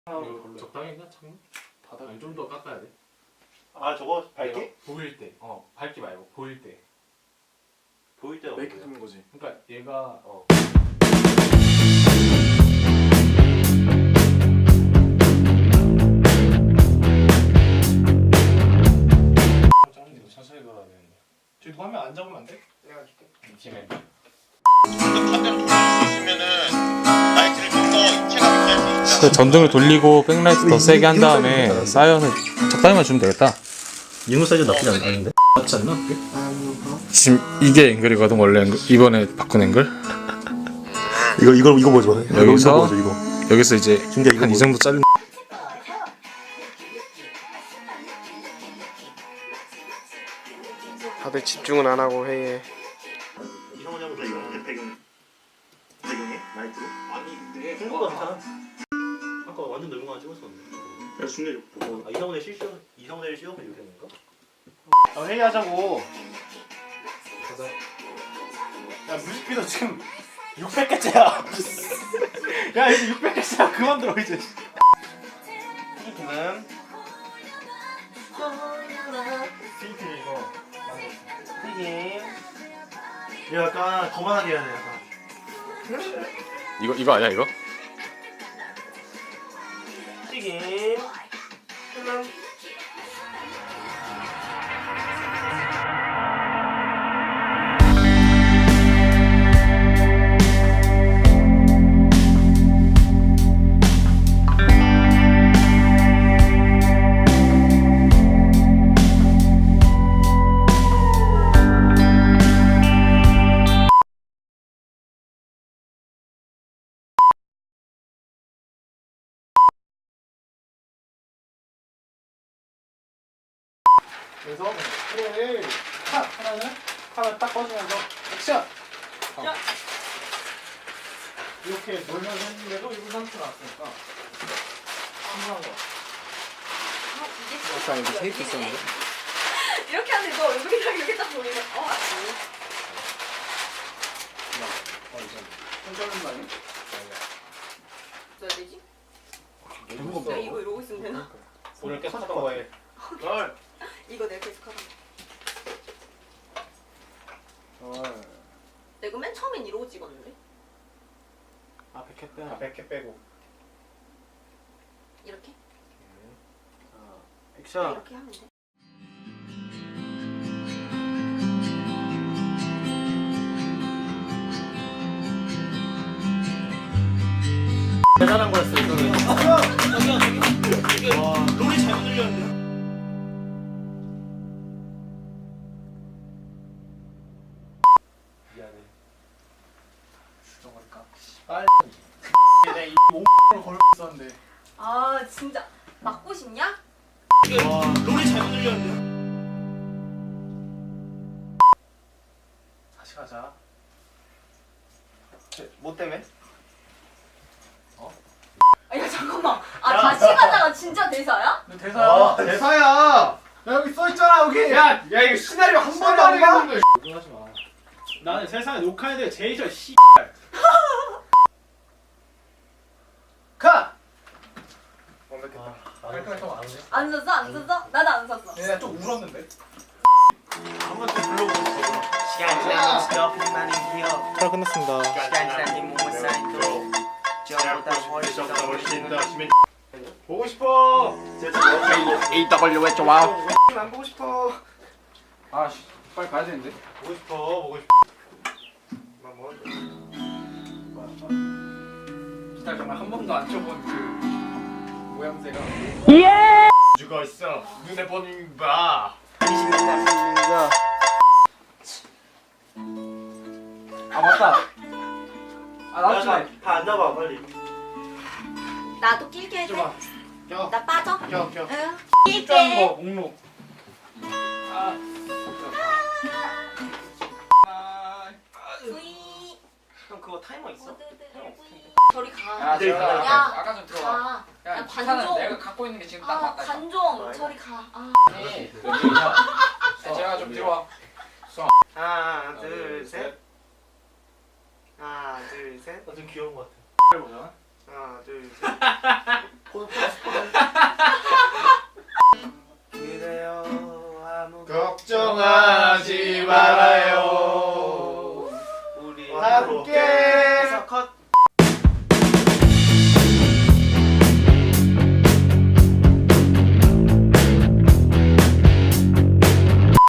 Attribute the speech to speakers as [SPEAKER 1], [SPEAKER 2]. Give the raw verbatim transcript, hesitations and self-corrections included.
[SPEAKER 1] 이거 적당히 했나? 참 바닥 아니 좀 더 깎아야 돼.
[SPEAKER 2] 아 저거 밝게?
[SPEAKER 1] 내가 보일 때, 어 밝기 말고 보일 때.
[SPEAKER 2] 보일 때가
[SPEAKER 3] 왜 이렇게
[SPEAKER 2] 뭐야?
[SPEAKER 3] 두는 거지?
[SPEAKER 1] 그러니까 얘가
[SPEAKER 2] 어.
[SPEAKER 1] 짱인데 천천히 걸어야 되는데. 저기 누가 하면 안 잡으면 안 돼? 내가 줄게. 이쯤에.
[SPEAKER 4] 전등을 돌리고 백라이트 더 세게 한 다음에 사이언을 적당히만 주면 되겠다.
[SPEAKER 2] 이거 사이즈 나쁘지 않은데?
[SPEAKER 1] 맞지 않나? 그게?
[SPEAKER 4] 지금 이게 앵글이거든 원래 앵글. 이번에 바꾼 앵글.
[SPEAKER 2] 이거 이거 이거 보여줘.
[SPEAKER 4] 여기서
[SPEAKER 2] 이거 보여줘, 이거.
[SPEAKER 4] 여기서 이제
[SPEAKER 2] 진짜 이거
[SPEAKER 4] 한 이 정도 잘린.
[SPEAKER 3] 다들 집중은 안 하고 회의에.
[SPEAKER 2] 이성훈이 형부터 이거 배경 배경에 라이트로? 아니 근데 생각보다 괜찮아. 아까 완전 넓은 거 하나 찍었었는데. 야 중계 보고. 아 이성훈의 실시 이성훈의 실력을 이렇게 하는 건가?
[SPEAKER 3] 아, 회의하자고.
[SPEAKER 1] 가자.
[SPEAKER 3] 야 뮤직비디오 지금 육백 개째야. 야 이제 육백 개째야. 그만 들어 이제. 뮤직비디오는
[SPEAKER 2] 필트 이거.
[SPEAKER 3] 튀김.
[SPEAKER 2] 이거 약간 거만하게 해야 돼 약간.
[SPEAKER 4] 이거 이거 아니야 이거?
[SPEAKER 3] 튀김. 그래서 프로를 탁 하나는 하나 딱 꺼주면서 액션. 어. 이렇게 놀면서 했는데도 일 분 삼십 초 나왔으니까 한번 거.
[SPEAKER 5] 아, 이게
[SPEAKER 3] 아까 이거 테이프 있었는데?
[SPEAKER 5] 이렇게 하는데 너 얼굴이 딱 이렇게 딱 보이면 어 아니
[SPEAKER 3] 어 이제 손자는 말이?
[SPEAKER 5] 써야 되지?
[SPEAKER 3] 너무
[SPEAKER 5] 야 이거 이러고 있으면 되나?
[SPEAKER 3] 오늘 계속 하던 거에. 널.
[SPEAKER 5] 이거 내가 계속 하던 거
[SPEAKER 3] 널.
[SPEAKER 5] 내가 맨 처음엔 이러고 찍었는데
[SPEAKER 3] 아 백 회 빼. 아 백 회 빼고.
[SPEAKER 5] 이렇게?
[SPEAKER 3] 자 액션.
[SPEAKER 5] 이렇게 하면 돼
[SPEAKER 2] 대단한 거였어 이거는. 저기요 저기요 저기요. 와 롤이 잘못 들렸는데.
[SPEAKER 1] 미안해.
[SPEAKER 3] 죽여버릴까? 빨리. 내가 이 몸을 걸고 있었는데.
[SPEAKER 5] 아 진짜 맞고 싶냐?
[SPEAKER 2] 와 롤이 잘못 들렸는데.
[SPEAKER 3] 다시 가자. 뭐 때문에?
[SPEAKER 5] 아야 잠깐만 아
[SPEAKER 2] 야.
[SPEAKER 5] 다시 가자가 진짜 대사야?
[SPEAKER 3] 너 대사야. 대사야. 야 여기 써 있잖아 여기. 야, 야 이거 시나리오 한 번도 안 읽었는데.
[SPEAKER 1] 이거 하지 마.
[SPEAKER 3] 나는 세상에 녹화해야 돼 제일 싫어 씨. 가. 완벽했다. 깔끔하게 안 오네.
[SPEAKER 5] 안 썼어? 안 썼어? 나도 안 썼어
[SPEAKER 3] 내가 좀 울었는데.
[SPEAKER 2] 한번 더 불러보고 싶어.
[SPEAKER 6] 시간이 지나면 스토핑 많이 기어
[SPEAKER 4] 촬영 끝났습니다.
[SPEAKER 6] 시간이 지나니 몸은 쌓이고 저보다 훨씬 더
[SPEAKER 2] 훨씬 더 심해.
[SPEAKER 3] 보고 싶어.
[SPEAKER 4] 에이 더블유 에 좋아.
[SPEAKER 3] 안 보고 싶어. 아씨 빨리 가야 되는데.
[SPEAKER 2] 보고 싶어 보고 싶어.
[SPEAKER 3] 나 뭐? 기타 정말 한 번도 안 쳐본 그 모양새가. 예.
[SPEAKER 2] 죽어 있어. 눈에 보는 바.
[SPEAKER 3] 아 맞다. 아 나도 좀.
[SPEAKER 2] 다 앉아봐 빨리.
[SPEAKER 5] 나도 낄게 해줘
[SPEAKER 3] 봐. 껴.
[SPEAKER 5] 나 빠져?
[SPEAKER 3] 껴 껴.
[SPEAKER 5] 응
[SPEAKER 3] 입장
[SPEAKER 5] 낄게
[SPEAKER 3] 거 목록. 아.
[SPEAKER 5] 뿌이
[SPEAKER 6] 형 그거 타이머 있어?
[SPEAKER 5] 뿌이 저리 가
[SPEAKER 3] 야
[SPEAKER 2] 네,
[SPEAKER 3] 제가
[SPEAKER 5] 야.
[SPEAKER 3] 아까 좀 들어와.
[SPEAKER 5] 가.
[SPEAKER 3] 야
[SPEAKER 5] 야,
[SPEAKER 3] 기타는
[SPEAKER 5] 관종.
[SPEAKER 3] 내가 갖고 있는 게 지금 딱
[SPEAKER 5] 아
[SPEAKER 3] 맞다.
[SPEAKER 5] 관종 저리 가 아.
[SPEAKER 3] 아니 여기가. 제가 좀 들어와.
[SPEAKER 6] 하나 둘셋 하나 둘셋
[SPEAKER 2] 나 좀 귀여운 것 같아.
[SPEAKER 3] 해보자.
[SPEAKER 6] 하나 둘셋 그대여 아무
[SPEAKER 1] 걱정하지 말아요.
[SPEAKER 6] 우리
[SPEAKER 1] 함께